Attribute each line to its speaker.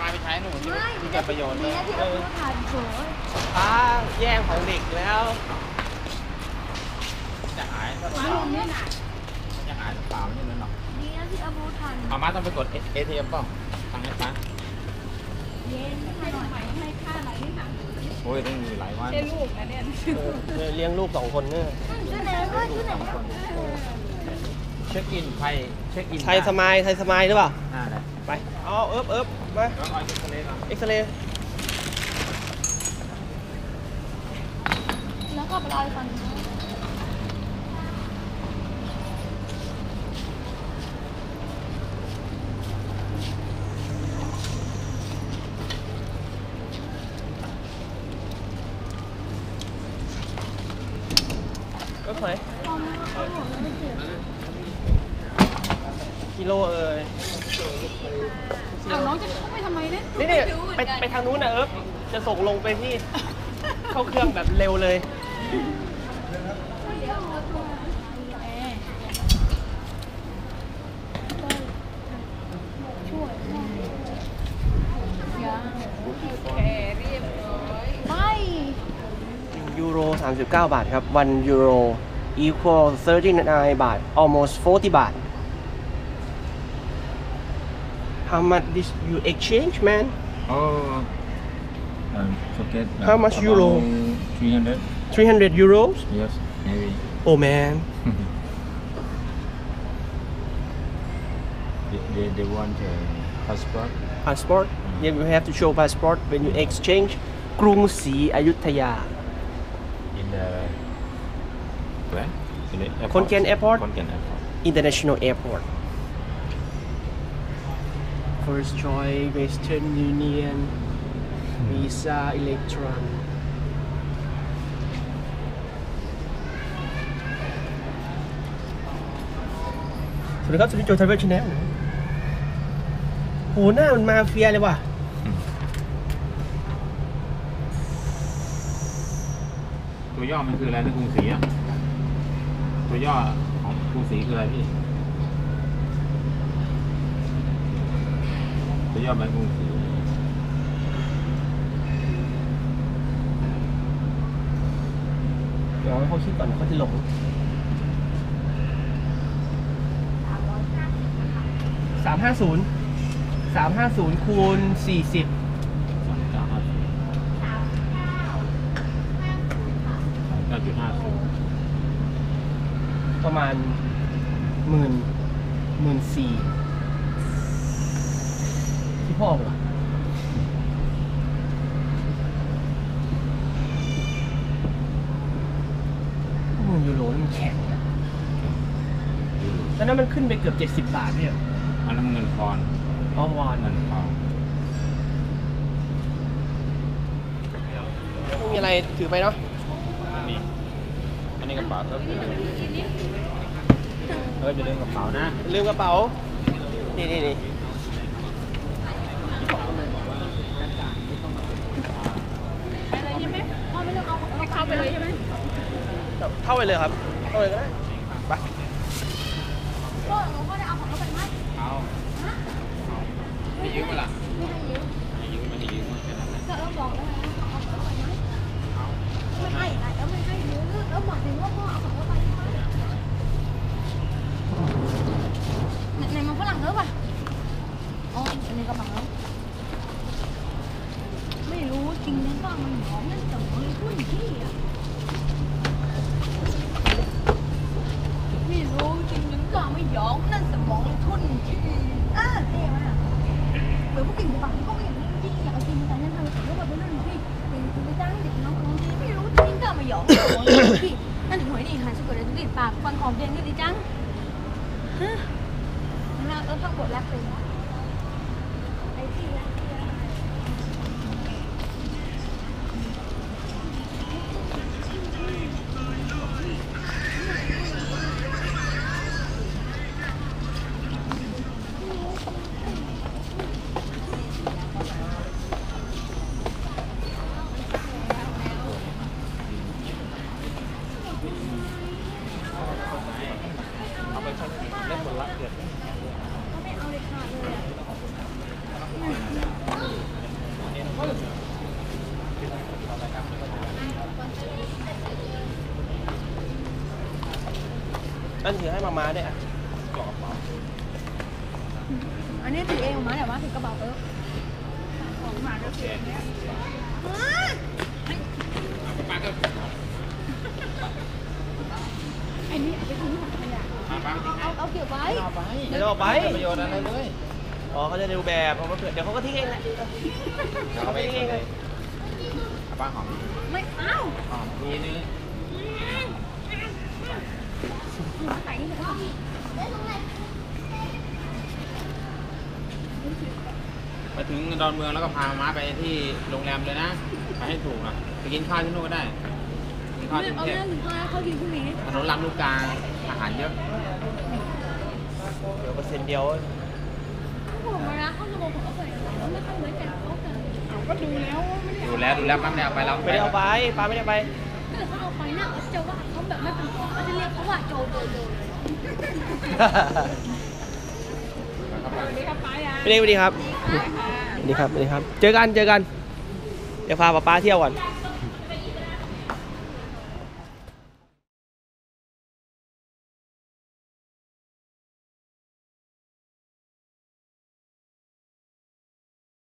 Speaker 1: มาไปใช้หนูที่เกิดประโยชน์เลย
Speaker 2: แย่งของเด็กแล้ว
Speaker 1: จะหายก็เปล่าจะหายเปล่านี่นั่นหรอก
Speaker 3: ดีนะที่เอาบูทัน
Speaker 1: เอามาต้องไปกด ATM ป่ะทางนี้มา
Speaker 3: เย็นให้หน่อยให้ค่าอะไรนี่ค่ะ
Speaker 1: โอ้ยต้องมีหลายวัน
Speaker 3: ใช่ลูกนะเนี่ย
Speaker 2: เลี้ยงลูก2 คนเนี่ย
Speaker 3: ชื่อไหนด้วยชื่อไหน
Speaker 1: เช็คอินไทยเช็คอิน
Speaker 2: ไทยสมัยหรือเปล่า
Speaker 1: ได้
Speaker 2: ไปเอาเอิบมา
Speaker 1: เอาเอ็กซเรย์ก่อน
Speaker 2: เอ็กซเรย์
Speaker 3: แล้วก็ไปรอฟัง
Speaker 2: ก็เคยกิโล
Speaker 3: เอาน้องจะเข้าไปทำไมเนี่ย
Speaker 2: นี่ไปทางนู้นนะจะส่งลงไปที่เข้าเครื่องแบบเร็วเลย
Speaker 3: ช่วยยังเรียบร้อยไม่
Speaker 2: ยูโร39 บาทครับ1 euro equal 39 บาท almost 40 บาท How much this you exchange man
Speaker 1: Oh forget
Speaker 2: How much euro 300 euros
Speaker 1: Yes maybe
Speaker 2: Oh man
Speaker 1: They want a
Speaker 2: passport Yeah you have to show passport when you exchange กรุงศรีอยุธยา
Speaker 1: In the where?
Speaker 2: Konkan Airport
Speaker 1: Konkan Airport
Speaker 2: International Airport First Choice Western Union Visa Electron สวัสดีครับสวัสดีโจทาวเวอร์ชาแนลโหหน้ามันมาเฟียเลยว่ะ
Speaker 1: ตัวย่อมันคืออะไรนะกรุงศรีอ่ะตัวย่อของกรุงศรีคืออะไรพี่ตัวย่อมันกรุงศรี
Speaker 2: เดี๋ยวเขาคิดก่อนเขาจะหลง350คูณ40ประมาณ14,000ที่พ่อเหรอยูโรนี่มันแข็งนะตอนนั้นมันขึ้นไปเกือบ70 บาทเนี่ย
Speaker 1: อันนั้นเงินปอนด์
Speaker 2: วอน
Speaker 1: เงินปอนด์
Speaker 2: มีอะไรถือไปเนาะ
Speaker 1: อันนี้กระเป๋าจะลืมกระเป๋านะ
Speaker 2: ลืมกระเป๋านี่
Speaker 3: อะไรใช่ไหมพ่อไม่ต้องเอาให้เข้าไปเลยใช่ไหม
Speaker 2: เข้าไปเลยครับเข้าเลยก็ได้ไป
Speaker 3: พ่อได้เอาของเขาไปไหม
Speaker 1: เอาไม่ยืมมาล่ะไม่ยืมแค่นั้น
Speaker 3: ก็บอกแล้วเอาของเขาไปไหมไม่ให้แล้วไม่ให้ยืมแล้วหมายถึงว่าพ่อเอาของเขาไปไหมไหนมันฝรั่งเถอะป่ะอ๋ออันนี้ก็บังแล้วไม่รู้จริงนะก็มันหอมนั่นแต่มันพูดที่อ่ะไม่รู้จริงนึงก็ไม่ยอมนั่นสมองทุนที่เท่มากเหมือนพวกกิ่งปังก็ไม่อย่างนี้จริงอยากกินแต่นั่นทำให้เราไปนั่นที่เป็นไปจ้างเด็กน้องคนที่ไม่รู้จริงก็ไม่ยอมที่นั่นหวยนี่หาสุกเลยติดปากฟังของเรียนก็ดีจังฮะแล้วต้องกดแลกเป็นไอ้ที่
Speaker 2: นั่นถือให้มาด้วยอ่ะ
Speaker 1: กรอบเปล่า
Speaker 3: อันนี้ถือเองมาแต่ว่าถือกระเป๋าเออ
Speaker 1: ของมาก็เสียเนี่ยป้าก็
Speaker 3: ไอ้นี่เอาไปทิ้งถังขยะ
Speaker 1: ป้าทิ้งให้
Speaker 3: เอาเก็บไว้
Speaker 1: เอาไป
Speaker 2: ไม่ต้องเอาไป
Speaker 1: ประโยชน์อะไรเลย
Speaker 2: อ๋อเขาจะดูแบบเขาก็เผื่อเดี๋ยวเขาก็ทิ้งเองแหละ
Speaker 1: เดี๋ยวเอาไปทิ้งเลยป้าหอม
Speaker 3: ไม่เอา
Speaker 1: หอมทีนึง
Speaker 3: ใส่นี่เลย
Speaker 1: มาถึงดอนเมืองแล้วก็พาม้าไปที่โรงแรมเลยนะไปให้ถูกนะไปกินข้าวที่นู่นก็ได้กินข้าวที่กรุง
Speaker 3: เอา
Speaker 1: เทพ
Speaker 3: เรื่องถึงข้าวเขากินพรุ่งนี้
Speaker 1: ถนนลำลูกกาอาหารเยอะ
Speaker 2: เดี๋ยว%เดียว
Speaker 3: ผมมาแล้วเขาจะบอกผมเอาไปแล้วไม่ค่อยไว้ใจเขากันก็ดูแล้วไม่ได้
Speaker 1: ดูแล้วป้าไม่ได้เอาไปแล้ว
Speaker 2: ไม่ได้เอาไปปลาไม่ได้เอาไป
Speaker 3: ถ้าเกิดเขาเอาไปน่ะจะว่าเขาแบบไม่เป็นเขาจะเรียกเขาว่าโจเลย
Speaker 1: สวัสดีครับป้า
Speaker 2: สวัสดีครับสวัสดีครับ เจอกัน เดี๋ยวพาป้าเที่ยวก่อน
Speaker 3: ไ